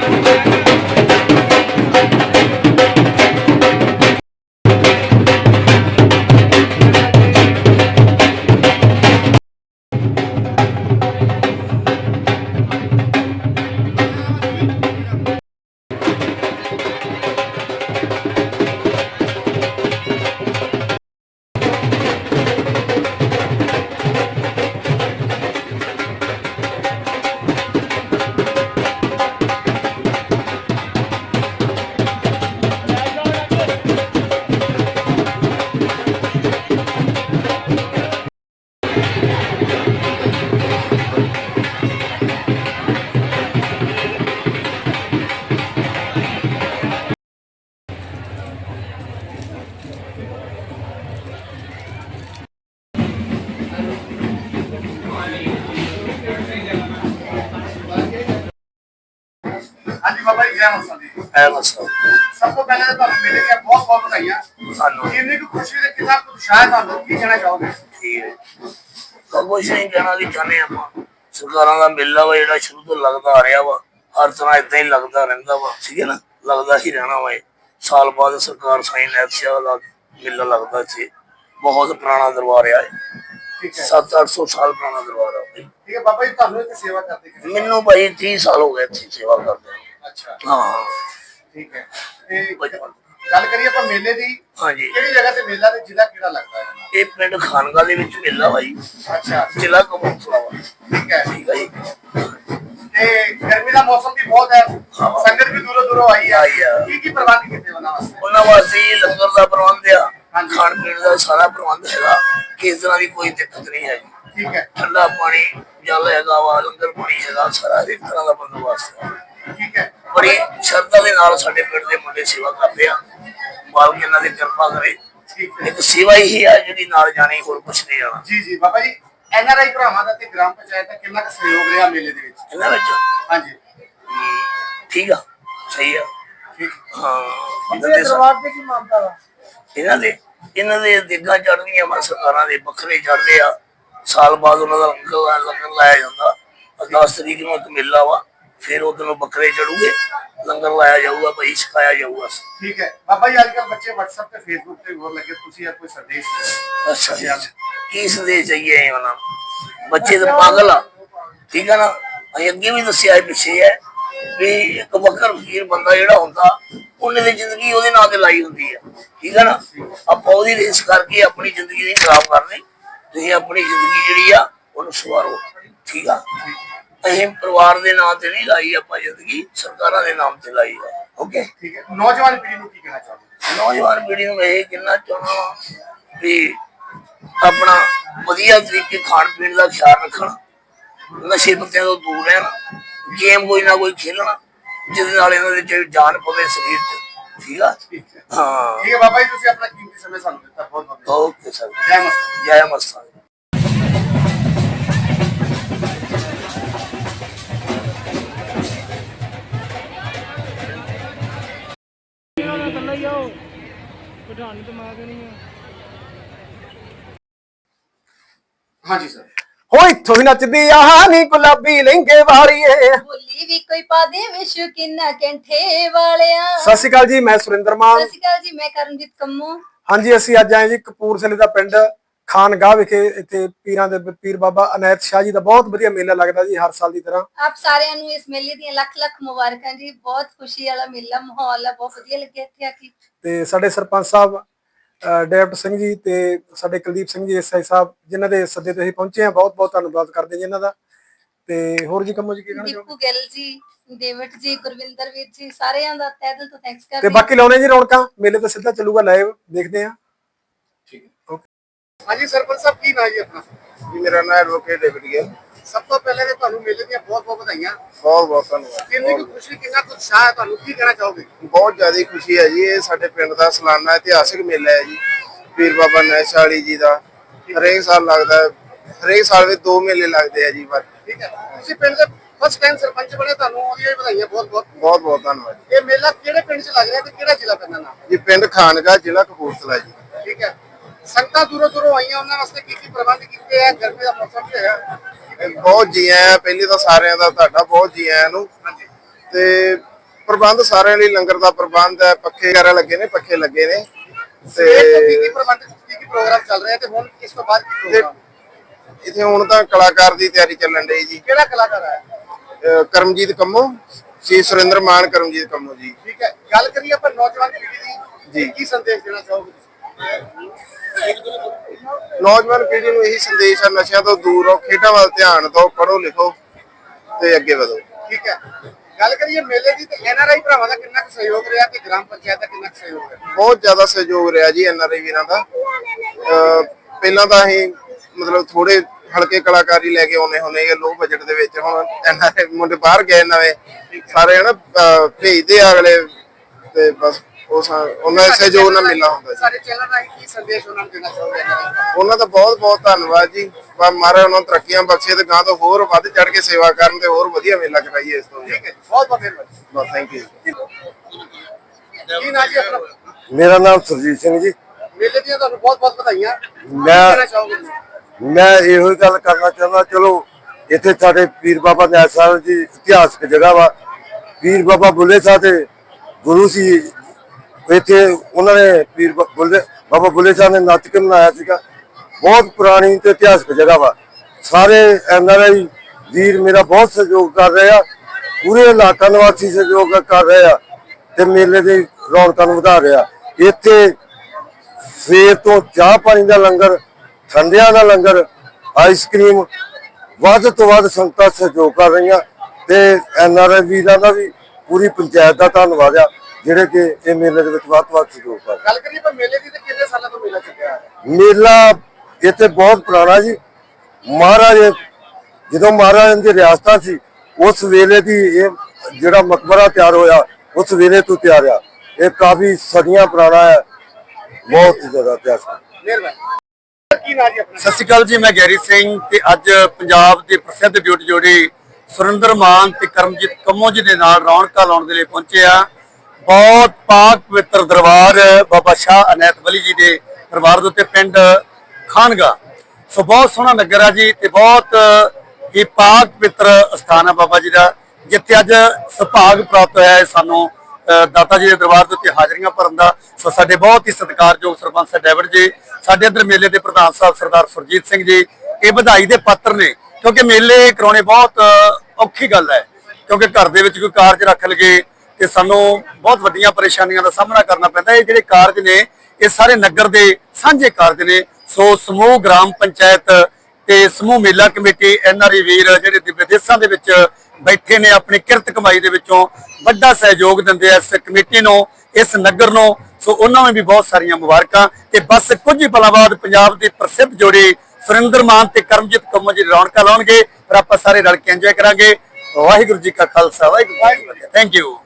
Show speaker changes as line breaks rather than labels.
हाँ जी बाबा जी, जय माता दी। सबको पहले तो ਤੁਹਾਨੂੰ ਮੇਲੇ ਦੀਆਂ ਬਹੁਤ ਬਹੁਤ ਵਧਾਈਆਂ ਸਾਨੂੰ। ਇੰਨੀ ਕੁ ਖੁਸ਼ੀ ਦੇ ਕਿੰਨਾ ਕੁ ਉਤਸ਼ਾਹ ਤੁਹਾਨੂੰ ਕੀ ਕਹਿਣਾ ਚਾਹੋਗੇ?
ਠੀਕ ਹੈ, ਕੁਛ ਨਹੀਂ ਕਹਿਣਾ ਕਿ ਚਾਹੁੰਦੇ ਆਪਾਂ ਸਰਕਾਰਾਂ ਦਾ ਮੇਲਾ ਵਾ ਜਿਹੜਾ ਸ਼ੁਰੂ ਤੋਂ ਲੱਗਦਾ ਆ ਰਿਹਾ ਵਾ, ਹਰ ਤਰ੍ਹਾਂ ਏਦਾਂ ਹੀ ਲੱਗਦਾ ਰਹਿੰਦਾ ਵਾ, ਠੀਕ ਹੈ ਨਾ, ਲੱਗਦਾ ਹੀ ਰਹਿਣਾ ਵਾ। ਸਾਲ ਬਾਅਦ ਸਰਕਾਰ ਸਾਈਂ ਨੈਤਸ਼ਾਹ ਦਾ ਮੇਲਾ ਲੱਗਦਾ ਇੱਥੇ, ਬਹੁਤ ਪੁਰਾਣਾ ਦਰਬਾਰ ਆ ਇਹ, 700-800 ਸਾਲ ਪੁਰਾਣਾ ਦਰਬਾਰ ਆ।
ਠੀਕ ਹੈ ਬਾਬਾ ਜੀ, ਤੁਹਾਨੂੰ ਇੱਥੇ ਸੇਵਾ ਕਰਦੇ
ਮੈਨੂੰ ਭਾਈ 30 ਸਾਲ ਹੋ ਗਏ ਇੱਥੇ ਸੇਵਾ ਕਰਦੇ।
ਅੱਛਾ,
ਹਾਂ
ਠੀਕ ਹੈ। ਤੇ ਗੱਲ ਕਰੀਏ ਆਪਾਂ ਮੇਲੇ ਦੀ,
ਹਾਂਜੀ,
ਕਿਹੜੀ ਜਗ੍ਹਾ ਤੇ ਮੇਲਾ ਤੇ ਜ਼ਿਲ੍ਹਾ ਕਿਹੜਾ ਲੱਗਦਾ ਹੈ?
ਇਹ ਪਿੰਡ ਖਾਨਗਾ ਦੇ ਵਿੱਚ ਮੇਲਾ ਭਾਈ।
ਅੱਛਾ,
ਜ਼ਿਲ੍ਹਾ ਕਪੂਰਥਲਾ ਵਾ।
ਠੀਕ ਹੈ,
ਠੀਕ ਹੈ ਜੀ।
ਤੇ ਗਰਮੀ ਦਾ ਮੌਸਮ ਵੀ ਬਹੁਤ ਹੈ, ਸੰਗਤ ਵੀ ਦੂਰੋਂ ਦੂਰੋਂ ਆਈ ਹੈ, ਕੀ ਪ੍ਰਬੰਧ ਕੀਤੇ ਉਹਨਾਂ ਵਾਸਤੇ?
ਉਹਨਾਂ ਵਾਸਤੇ ਲੰਗਰ ਦਾ ਪ੍ਰਬੰਧ ਆ, ਖਾਣ ਪੀਣ ਦਾ ਸਾਰਾ ਪ੍ਰਬੰਧ ਹੈਗਾ, ਕਿਸੇ ਤਰ੍ਹਾਂ ਦੀ ਕੋਈ ਦਿੱਕਤ ਨਹੀਂ ਹੈਗੀ।
ਠੀਕ ਹੈ,
ਠੰਡਾ ਪਾਣੀ ਜਲ ਹੈਗਾ ਵਾ, ਲੰਗਰ ਪਾਣੀ ਹੈਗਾ, ਸਾਰਾ ਇੱਕ ਤਰ੍ਹਾਂ ਦਾ ਬੰਦੋਬਸਤ ਹੈ।
ਠੀਕ ਹੈ,
ਬੜੀ ਸ਼ਰਧਾ ਦੇ ਨਾਲ ਸਾਡੇ ਪਿੰਡ ਦੇ ਮੁੰਡੇ ਸੇਵਾ ਕਰਦੇ ਆ, ਮਾਲਕ ਇਹਨਾਂ ਦੀ ਕਿਰਪਾ ਕਰੇ। ਇੱਕ ਸੇਵਾ ਹੀ ਆ ਜਿਹੜੀ ਨਾਲ ਜਾਣੀ, ਹੋਰ ਕੁਛ ਨਹੀਂ ਜਾਣਾ।
ਜੀ ਜੀ ਬਾਬਾ ਜੀ, NRI ਭਰਾਵਾਂ ਦਾ ਤੇ ਗ੍ਰਾਮ ਪੰਚਾਇਤ ਦਾ ਕਿੰਨਾ ਕੁ ਸਹਿਯੋਗ ਰਿਹਾ ਮੇਲੇ ਦੇ ਵਿੱਚ?
ਇਹਨਾਂ ਵਿੱਚ
ਹਾਂਜੀ,
ਠੀਕ ਆ, ਸਹੀ ਆ।
ਠੀਕ,
ਹਾਂ,
ਦਰਬਾਰ ਤੇ ਕੀ ਮਾਨਤਾ ਵਾ?
ਇਹਨਾਂ ਦੇ ਦੇਗਾਂ ਚੜ੍ਹਦੀਆਂ ਵਾ, ਸਰਕਾਰਾਂ ਦੇ ਬੱਕਰੇ ਚੜ੍ਹਦੇ ਆ, ਸਾਲ ਬਾਅਦ ਉਹਨਾਂ ਦਾ ਲੰਗਰ ਲਾਇਆ ਜਾਂਦਾ। 10 ਤਰੀਕ ਨੂੰ ਇੱਕ ਮੇਲਾ ਵਾ, ਫਿਰ ਉਦੋਂ ਨੂੰ ਬੱਕਰੇ ਚੜੂਗੇ, ਲੰਗਰ ਲਾਇਆ ਜਾਊਗਾ ਭਾਈ, ਛਕਾਇਆ ਜਾਊਗਾ।
ਠੀਕ ਹੈ ਬਾਬਾ ਜੀ, ਅੱਜ ਕੱਲ ਬੱਚੇ WhatsApp ਤੇ Facebook ਤੇ ਹੋਰ ਲੱਗੇ, ਤੁਸੀਂ ਆ ਕੋਈ ਸੰਦੇਸ਼?
ਅੱਛਾ ਜੀ, ਕੀ ਸੰਦੇਸ਼ ਚਾਹੀਏ ਉਹਨਾਂ ਨੂੰ? ਬੱਚੇ ਤਾਂ ਪਾਗਲ ਆ, ਠੀਕ ਹੈ ਨਾ। ਅਸੀਂ ਅੱਗੇ ਵੀ ਦੱਸਿਆ ਪਿੱਛੇ ਹੈ ਵੀ ਇੱਕ ਬੱਕਰ ਫਕੀਰ ਬੰਦਾ ਜਿਹੜਾ ਹੁੰਦਾ, ਉਹਨੇ ਦੀ ਜ਼ਿੰਦਗੀ ਉਹਦੇ ਨਾਂ ਤੇ ਲਾਈ ਹੁੰਦੀ ਆ, ਠੀਕ ਹੈ ਨਾ। ਆਪਾਂ ਉਹਦੀ ਰੇਸ ਕਰਕੇ ਆਪਣੀ ਜ਼ਿੰਦਗੀ ਨਹੀਂ ਖਰਾਬ ਕਰਨੀ। ਤੁਸੀਂ ਆਪਣੀ ਜ਼ਿੰਦਗੀ ਜਿਹੜੀ ਆ ਉਹਨੂੰ ਸਵਾਰੋ, ਠੀਕ ਆ। ਅਸੀਂ ਪਰਿਵਾਰ ਦੇ ਨਾਂ ਤੇ ਨਹੀਂ ਲਾਈ ਆਪਾਂ ਜ਼ਿੰਦਗੀ, ਸਰਕਾਰਾਂ ਦੇ ਨਾਮ ਤੇ ਲਾਈ ਆ। ਓਕੇ,
ਠੀਕ ਹੈ। ਨੌਜਵਾਨ ਪੀੜ੍ਹੀ ਨੂੰ ਕੀ ਕਹਿਣਾ ਚਾਹੁੰਦੇ?
ਨੌਜਵਾਨ ਪੀੜ੍ਹੀ ਨੂੰ ਇਹ ਕਹਿਣਾ ਚਾਹੁੰਦਾ ਵੀ ਆਪਣਾ ਵਧੀਆ ਤਰੀਕੇ ਖਾਣ ਪੀਣ ਦਾ ਖਿਆਲ ਰੱਖਣਾ, ਨਸ਼ੇ ਪੱਤਿਆਂ ਤੋਂ ਦੂਰ ਰਹਿਣਾ, ਗੇਮ ਕੋਈ ਨਾ ਕੋਈ ਖੇਲਣਾ ਜਿਹਦੇ ਨਾਲ ਇਹਨਾਂ ਦੇ ਜਾਨ ਪਵੇ ਸਰੀਰ 'ਚ, ਠੀਕ ਆ। ਹਾਂ,
ਠੀਕ ਹੈ ਬਾਬਾ ਜੀ, ਤੁਸੀਂ ਆਪਣਾ ਕੀਮਤੀ ਸਮੇਂ ਸਾਨੂੰ ਦਿੱਤਾ, ਬਹੁਤ ਬਹੁਤ
ਓਕੇ ਸਰ,
ਜੈ ਮਸਤ,
ਜੈ ਮਸਤਾਂ।
ਹਾਂਜੀ ਸਰ।
ਹੋ ਇੱਥੋਂ ਹੀ ਨੱਚਦੀ ਆ ਨੀ ਗੁਲਾਬੀ ਲਹਿੰਗੇ ਵਾਲੀਏ,
ਬੋਲੀ ਵੀ ਕੋਈ ਪਾ ਦੇ ਵਿਸ਼ ਕਿੰਨਾ ਕੈਂਠੇ ਵਾਲਿਆ।
ਸਤਿ ਸ਼੍ਰੀ ਅਕਾਲ ਜੀ, ਮੈਂ ਸੁਰਿੰਦਰ ਮਾਨ।
ਸਤਿ ਸ਼੍ਰੀ ਅਕਾਲ ਜੀ, ਮੈਂ ਕਰਮਜੀਤ ਕੰਮੋ।
ਹਾਂਜੀ, ਅਸੀਂ ਅੱਜ ਆਏ ਜੀ ਕਪੂਰਥਲੇ ਦਾ ਪਿੰਡ ਖਾਨਗਾਹ ਵਿਖੇ। ਇੱਥੇ ਪੀਰਾਂ ਦੇ ਪੀਰ ਬਾਬਾ ਅਨੈਤ ਸ਼ਾਹ ਜੀ ਦਾ ਬਹੁਤ ਵਧੀਆ ਮੇਲਾ ਲੱਗਦਾ ਜੀ, ਹਰ ਸਾਲ ਦੀ ਤਰ੍ਹਾਂ।
ਆਪ ਸਾਰਿਆਂ ਨੂੰ ਇਸ ਮੇਲੇ ਦੀਆਂ ਲੱਖ ਲੱਖ ਮੁਬਾਰਕਾਂ ਜੀ। ਬਹੁਤ ਖੁਸ਼ੀ ਵਾਲਾ ਮੇਲਾ, ਮਾਹੌਲ ਆ, ਬਹੁਤ ਵਧੀਆ ਲੱਗਿਆ ਇੱਥੇ ਆ ਕੇ।
ਤੇ ਸਾਡੇ ਸਰਪੰਚ ਸਾਹਿਬ ਡੇਵਟ ਸਿੰਘ ਜੀ ਤੇ ਸਾਡੇ ਕੁਲਦੀਪ ਸਿੰਘ ਜੀ SI ਸਾਹਿਬ, ਜਿਨ੍ਹਾਂ ਦੇ ਸੱਦੇ ਤੇ ਅਸੀਂ ਪਹੁੰਚੇ ਆ, ਬਹੁਤ ਬਹੁਤ ਧੰਨਵਾਦ ਕਰਦੇ ਜੀ ਇਹਨਾਂ ਦਾ। ਤੇ ਹੋਰ ਜੀ ਕੰਮੋ ਜੀ ਕੀ ਕਹਿਣਾ ਚਾਹੋਗੇ?
ਦੀਪੂ ਗਿੱਲ ਜੀ, ਡੇਵਿਡ ਜੀ, ਗੁਰਵਿੰਦਰ ਵੀਰ ਜੀ, ਸਾਰਿਆਂ ਦਾ ਤਹਿ ਦਿਲ ਤੋਂ ਥੈਂਕਸ ਕਰਦੇ।
ਤੇ ਬਾਕੀ ਲਾਉਣੇ ਜੀ ਰੌਣਕਾਂ, ਮੇਲੇ ਤਾਂ ਸਿੱਧਾ ਚੱਲੂਗਾ ਲਾਈਵ, ਦੇਖਦੇ ਆ।
ਠੀਕ ਹੈ, ਓਕੇ। ਹਾਂਜੀ ਸਰਪੰਚ ਸਾਹਿਬ, ਕੀ ਨਾਂ ਜੀ ਆਪਣਾ?
ਜੀ ਮੇਰਾ ਨਾਮ ਐਡਵੋਕੇਟ ਡੇਵਿਡ ਗਿੱਲ।
ਸਭ ਤੋਂ ਪਹਿਲੇ ਤੇ ਤੁਹਾਨੂੰ ਮੇਲੇ ਦੀਆਂ ਬਹੁਤ ਬਹੁਤ ਵਧਾਈਆਂ।
ਬਹੁਤ ਬਹੁਤ ਧੰਨਵਾਦ।
ਕਿੰਨੀ ਕੁ ਖੁਸ਼ੀ, ਕਿੰਨਾ ਕੁ ਉਤਸ਼ਾਹ ਹੈ ਤੁਹਾਨੂੰ, ਕੀ ਕਹਿਣਾ ਚਾਹੋਗੇ?
ਬਹੁਤ ਜ਼ਿਆਦਾ ਖੁਸ਼ੀ ਹੈ ਜੀ। ਇਹ ਸਾਡੇ ਪਿੰਡ ਦਾ ਸਾਲਾਨਾ ਇਤਿਹਾਸਿਕ ਮੇਲਾ ਹੈ ਜੀ, ਪੀਰ ਬਾਬਾ ਅਨੈਤ ਸ਼ਾਹ ਜੀ ਦਾ। ਹਰੇਕ ਸਾਲ ਲੱਗਦਾ, ਹਰੇਕ ਸਾਲ ਵਿੱਚ 2 ਮੇਲੇ ਲੱਗਦੇ ਆ ਜੀ। ਬਸ
ਠੀਕ ਹੈ, ਤੁਸੀਂ ਪਿੰਡ ਦੇ ਫਸਟ ਟਾਈਮ ਸਰਪੰਚ ਬਣੇ, ਤੁਹਾਨੂੰ ਉਹਦੀਆਂ ਵਧਾਈਆਂ ਬਹੁਤ ਬਹੁਤ।
ਬਹੁਤ ਬਹੁਤ ਧੰਨਵਾਦ।
ਇਹ ਮੇਲਾ ਕਿਹੜੇ ਪਿੰਡ 'ਚ ਲੱਗ ਰਿਹਾ ਤੇ ਕਿਹੜਾ ਜ਼ਿਲ੍ਹਾ ਪੈਂਦਾ ਨਾਮ?
ਜੀ ਪਿੰਡ ਖਾਨਗਾਹ, ਜ਼ਿਲ੍ਹਾ ਕਪੂਰਥਲਾ ਜੀ।
ਠੀਕ ਹੈ, ਸੰਗਤਾਂ ਦੂਰੋਂ ਦੂਰੋਂ ਆਈਆਂ, ਉਹਨਾਂ ਵਾਸਤੇ ਕੀ ਕੀ ਪ੍ਰਬੰਧ ਕੀਤੇ ਆ? ਗਰਮੀ ਦਾ ਮੌਸਮ ਵੀ ਹੈਗਾ।
ਬਹੁਤ ਜੀ ਆਇਆਂ, ਪਹਿਲੇ ਤਾਂ ਸਾਰਿਆਂ ਦਾ ਤੁਹਾਡਾ ਬਹੁਤ ਜੀ ਆਇਆਂ ਨੂੰ।
ਹਾਂਜੀ,
ਤੇ ਪ੍ਰਬੰਧ ਸਾਰਿਆਂ ਲਈ ਲੰਗਰ ਦਾ ਪ੍ਰਬੰਧ ਹੈ, ਪੱਖੇ ਵਗੈਰਾ ਲੱਗੇ ਨੇ, ਪੱਖੇ ਲੱਗੇ ਨੇ
ਸਵੇਰ ਤੋਂ
ਤੇ
ਕੀ ਪ੍ਰਬੰਧ, ਕੀ ਪ੍ਰੋਗਰਾਮ ਚੱਲ ਰਿਹਾ ਤੇ ਹੁਣ ਇਸ ਤੋਂ ਬਾਅਦ ਕੀ ਪ੍ਰੋਗਰਾਮ?
ਇੱਥੇ ਹੁਣ ਤਾਂ ਕਲਾਕਾਰ ਦੀ ਤਿਆਰੀ ਚੱਲਣ ਡਈ ਜੀ।
ਕਿਹੜਾ ਕਲਾਕਾਰ ਹੈ?
ਕਰਮਜੀਤ ਕੰਮੋ, ਸ਼੍ਰੀ ਸੁਰਿੰਦਰ ਮਾਨ ਕਰਮਜੀਤ ਕੰਮੋ ਜੀ।
ਠੀਕ ਹੈ, ਗੱਲ ਕਰੀਏ ਆਪਾਂ ਨੌਜਵਾਨ ਪੀੜ੍ਹੀ ਦੀ
ਜੀ।
ਕੀ ਸੰਦੇਸ਼ ਦੇਣਾ ਚਾਹੋਗੇ?
ਨੌਜਵਾਨ ਪੀੜ੍ਹੀ ਨੂੰ ਇਹੀ ਸੰਦੇਸ਼ ਹੈ, ਨਸ਼ਿਆਂ ਤੋਂ ਦੂਰ ਰਹੋ, ਖੇਡਾਂ ਵੱਲ ਧਿਆਨ ਦਿਓ, ਪੜ੍ਹੋ ਲਿਖੋ ਤੇ ਅੱਗੇ ਵਧੋ।
ਠੀਕ ਹੈ, ਗੱਲ ਕਰੀਏ ਮੇਲੇ ਦੀ ਤੇ ਐਨਆਰਆਈ ਭਰਾਵਾਂ ਦਾ ਕਿੰਨਾ ਕੁ ਸਹਿਯੋਗ ਰਿਹਾ ਤੇ ਗ੍ਰਾਮ ਪੰਚਾਇਤ ਦਾ ਕਿੰਨਾ ਕੁ ਸਹਿਯੋਗ ਰਿਹਾ?
ਬਹੁਤ ਜ਼ਿਆਦਾ ਸਹਿਯੋਗ ਰਿਹਾ ਜੀ ਐਨਆਰਆਈ ਵੀਰਾਂ ਦਾ। ਪਹਿਲਾਂ ਤਾਂ ਅਸੀਂ ਮਤਲਬ ਥੋੜੇ ਹਲਕੇ ਕਲਾਕਾਰੀ ਲੈ ਕੇ ਆਉਨੇ ਹੁੰਦੇ ਆ ਲੋ ਬਜਟ ਦੇ ਵਿੱਚ। ਹੁਣ ਐਨਆਰਆਈ ਮੁੰਡੇ ਬਾਹਰ ਗਏ ਨਵੇਂ ਸਾਰੇ ਹਨਾ, ਭੇਜਦੇ ਆ ਅਗਲੇ ਤੇ ਬਸ ਉਹਨਾਂ ਦੇ ਸਹਿਯੋਗ ਨਾਲ ਮਿਲਣਾ ਹੁੰਦਾ ਜੀ।
ਸਾਡੇ ਚੈਨਲ ਰਾਹੀਂ ਕੀ ਸੰਦੇਸ਼ ਉਹਨਾਂ ਨੂੰ ਦੇਣਾ ਚਾਹੋਗੇ?
ਉਹਨਾਂ ਦਾ ਬਹੁਤ ਬਹੁਤ ਧੰਨਵਾਦ ਜੀ। ਮਹਾਰਾਜ ਉਹਨਾਂ ਨੂੰ ਤਰੱਕੀਆਂ ਬਖਸ਼ੇ ਤੇ ਗਾਂ ਤੋਂ ਹੋਰ ਵੱਧ ਚੜ ਕੇ ਸੇਵਾ ਕਰਨ ਤੇ ਹੋਰ ਵਧੀਆ ਮੇਲਾ ਕਰਾਈਏ ਇਸ ਤੋਂ।
ਠੀਕ ਹੈ, ਬਹੁਤ ਬਹੁਤ ਮਿਹਰਬਾਨੀ।
ਬਸ ਥੈਂਕ ਯੂ।
ਕੀ ਨਾਂ ਜੀ ਆਪਣਾ?
ਮੇਰਾ ਨਾਮ ਸੁਰਜੀਤ ਸਿੰਘ ਜੀ।
ਮੇਲੇ ਦੀਆਂ ਤੁਹਾਨੂੰ ਬਹੁਤ ਬਹੁਤ ਵਧਾਈਆਂ।
ਮੈਂ-
ਕੀ ਕਹਿਣਾ ਚਾਹੋਗੇ ਤੁਸੀਂ?
ਮੈਂ ਇਹੋ ਹੀ ਗੱਲ ਕਰਨਾ ਚਾਹੁੰਦਾ, ਚਲੋ ਇੱਥੇ ਸਾਡੇ ਪੀਰ ਬਾਬਾ ਨੈਣ ਸਾਹਿਬ ਜੀ ਇਤਿਹਾਸਕ ਜਗ੍ਹਾ ਵਾ। ਪੀਰ ਬਾਬਾ ਬੁੱਲੇ ਸਾਹਿਬ ਦੇ ਗੁਰੂ ਸੀ ਇੱਥੇ। ਉਹਨਾਂ ਨੇ ਬਾਬਾ ਬੁੱਲੇ ਸਾਹਿਬ ਨੇ ਨੱਚ ਕੇ ਮਨਾਇਆ ਸੀਗਾ। ਬਹੁਤ ਪੁਰਾਣੀ ਤੇ ਇਤਿਹਾਸਕ ਜਗ੍ਹਾ ਵਾ। ਸਾਰੇ ਐਨਆਰਆਈ ਵੀਰ ਮੇਰਾ ਬਹੁਤ ਸਹਿਯੋਗ ਕਰ ਰਹੇ ਆ, ਪੂਰੇ ਇਲਾਕਾ ਨਿਵਾਸੀ ਸਹਿਯੋਗ ਕਰ ਰਹੇ ਆ ਤੇ ਮੇਲੇ ਦੀ ਰੌਣਕਾਂ ਨੂੰ ਵਧਾ ਰਹੇ ਆ। ਇੱਥੇ ਸਵੇਰ ਤੋਂ ਚਾਹ ਪਾਣੀ ਦਾ ਲੰਗਰ, ਠੰਡਿਆਂ ਦਾ ਲੰਗਰ, ਆਈਸਕ੍ਰੀਮ, ਵੱਧ ਤੋਂ ਵੱਧ ਸੰਗਤਾਂ ਸਹਿਯੋਗ ਕਰ ਰਹੀਆਂ ਤੇ ਐਨਆਰਆਈ ਵੀਰਾਂ ਦਾ ਵੀ ਪੂਰੀ ਪੰਚਾਇਤ ਦਾ ਧੰਨਵਾਦ ਆ ਜਿਹੜੇ ਕਿ ਇਹ ਮੇਲੇ ਦੇ ਵਿੱਚ ਵੱਧ ਤੋਂ ਵੱਧ ਸਹਿਯੋਗ ਕਰ ਰਹੇ।
ਗੱਲ ਕਰੀਏ ਆਪਾਂ ਮੇਲੇ ਦੀ ਤੇ ਕਿੰਨੇ ਸਾਲਾਂ ਤੋਂ ਮੇਲਾ ਚੱਲਿਆ ਹੈ?
ਮੇਲਾ ਇੱਥੇ ਬਹੁਤ ਪੁਰਾਣਾ ਜੀ। ਮਹਾਰਾਜ ਜਦੋਂ ਮਹਾਰਾਜ ਦੀ ਰਿਆਸਤਾਂ ਸੀ ਉਸ ਵੇਲੇ ਦੀ ਇਹ ਜਿਹੜਾ ਮਕਬਰਾ ਤਿਆਰ ਹੋਇਆ ਉਸ ਵੇਲੇ ਤੋਂ ਤਿਆਰ ਆ। ਇਹ ਕਾਫੀ ਸਦੀਆਂ ਪੁਰਾਣਾ ਹੈ, ਬਹੁਤ ਜ਼ਿਆਦਾ ਇਤਿਹਾਸ ਹੈ।
ਮਿਹਰਬਾਨੀ। ਕੀ ਨਾਂ ਜੀ ਆਪਣਾ?
ਸਤਿ ਸ਼੍ਰੀ ਅਕਾਲ ਜੀ, ਮੈਂ ਗੈਰੀ ਸਿੰਘ ਤੇ ਅੱਜ ਪੰਜਾਬ ਦੇ ਪ੍ਰਸਿੱਧ ਬਿਊਟੀ ਜੋੜੀ ਸੁਰਿੰਦਰ ਮਾਨ ਤੇ ਕਰਮਜੀਤ ਕੰਮੋ ਜੀ ਦੇ ਨਾਲ ਰੌਣਕਾਂ ਲਾਉਣ ਦੇ ਲਈ ਪਹੁੰਚੇ ਆ। ਬਹੁਤ ਪਾਕ ਪਵਿੱਤਰ ਦਰਬਾਰ ਬਾਬਾ ਸ਼ਾਹ ਅਨੈਤ ਵਲੀ ਜੀ ਦੇ ਦਰਬਾਰ ਦੇ ਉੱਤੇ ਪਿੰਡ ਖਾਨਗਾ। ਸੋ ਬਹੁਤ ਸੋਹਣਾ ਨਗਰ ਆ ਜੀ ਤੇ ਬਹੁਤ ਹੀ ਪਾਕ ਪਵਿੱਤਰ ਸਥਾਨ ਹੈ ਬਾਬਾ ਜੀ ਦਾ, ਜਿੱਥੇ ਅੱਜ ਸੁਭਾਗ ਪ੍ਰਾਪਤ ਹੋਇਆ ਹੈ ਸਾਨੂੰ ਦਾਤਾ ਜੀ ਦੇ ਦਰਬਾਰ ਦੇ ਉੱਤੇ ਹਾਜ਼ਰੀਆਂ ਭਰਨ ਦਾ। ਸੋ ਸਾਡੇ ਬਹੁਤ ਹੀ ਸਤਿਕਾਰਯੋਗ ਸਰਪੰਚ ਸਾਹਿਬ ਡੈਵਿਡ ਜੀ, ਸਾਡੇ ਇੱਧਰ ਮੇਲੇ ਦੇ ਪ੍ਰਧਾਨ ਸਾਹਿਬ ਸਰਦਾਰ ਸੁਰਜੀਤ ਸਿੰਘ ਜੀ, ਇਹ ਵਧਾਈ ਦੇ ਪਾਤਰ ਨੇ ਕਿਉਂਕਿ ਮੇਲੇ ਕਰਾਉਣੇ ਬਹੁਤ ਔਖੀ ਗੱਲ ਹੈ। ਕਿਉਂਕਿ ਘਰ ਦੇ ਵਿੱਚ ਕੋਈ ਕਾਰਜ ਰੱਖ ਲਗੇ ਤੇ ਸਾਨੂੰ ਬਹੁਤ ਵੱਡੀਆਂ ਪਰੇਸ਼ਾਨੀਆਂ ਦਾ ਸਾਹਮਣਾ ਕਰਨਾ ਪੈਂਦਾ। ਇਹ ਜਿਹੜੇ ਕਾਰਜ ਨੇ ਇਹ ਸਾਰੇ ਨਗਰ ਦੇ ਸਾਂਝੇ ਕਾਰਜ ਨੇ। ਸੋ ਸਮੂਹ ਗ੍ਰਾਮ ਪੰਚਾਇਤ ਤੇ ਸਮੂਹ ਮੇਲਾ ਕਮੇਟੀ, ਐਨਆਰਆਈ ਵੀਰ ਜਿਹੜੇ ਵਿਦੇਸ਼ਾਂ ਦੇ ਵਿੱਚ ਬੈਠੇ ਨੇ ਆਪਣੀ ਕਿਰਤ ਕਮਾਈ ਦੇ ਵਿੱਚੋਂ ਵੱਡਾ ਸਹਿਯੋਗ ਦਿੰਦੇ ਆ ਇਸ ਕਮੇਟੀ ਨੂੰ, ਇਸ ਨਗਰ ਨੂੰ। ਸੋ ਉਹਨਾਂ ਨੂੰ ਵੀ ਬਹੁਤ ਸਾਰੀਆਂ ਮੁਬਾਰਕਾਂ ਤੇ ਬਸ ਕੁਝ ਹੀ ਪਲਾਂ ਬਾਅਦ ਪੰਜਾਬ ਦੀ ਪ੍ਰਸਿੱਧ ਜੋੜੀ ਸੁਰਿੰਦਰ ਮਾਨ ਤੇ ਕਰਮਜੀਤ ਕੰਮੋ ਜੀ ਰੌਣਕਾਂ ਲਾਉਣਗੇ। ਫਿਰ ਆਪਾਂ ਸਾਰੇ ਰਲ ਕੇ ਇੰਜੋਏ ਕਰਾਂਗੇ। ਵਾਹਿਗੁਰੂ ਜੀ ਕਾ ਖਾਲਸਾ, ਵਾਹਿਗੁਰੂ ਜੀ ਕੀ ਫਤਿਹ। Thank you.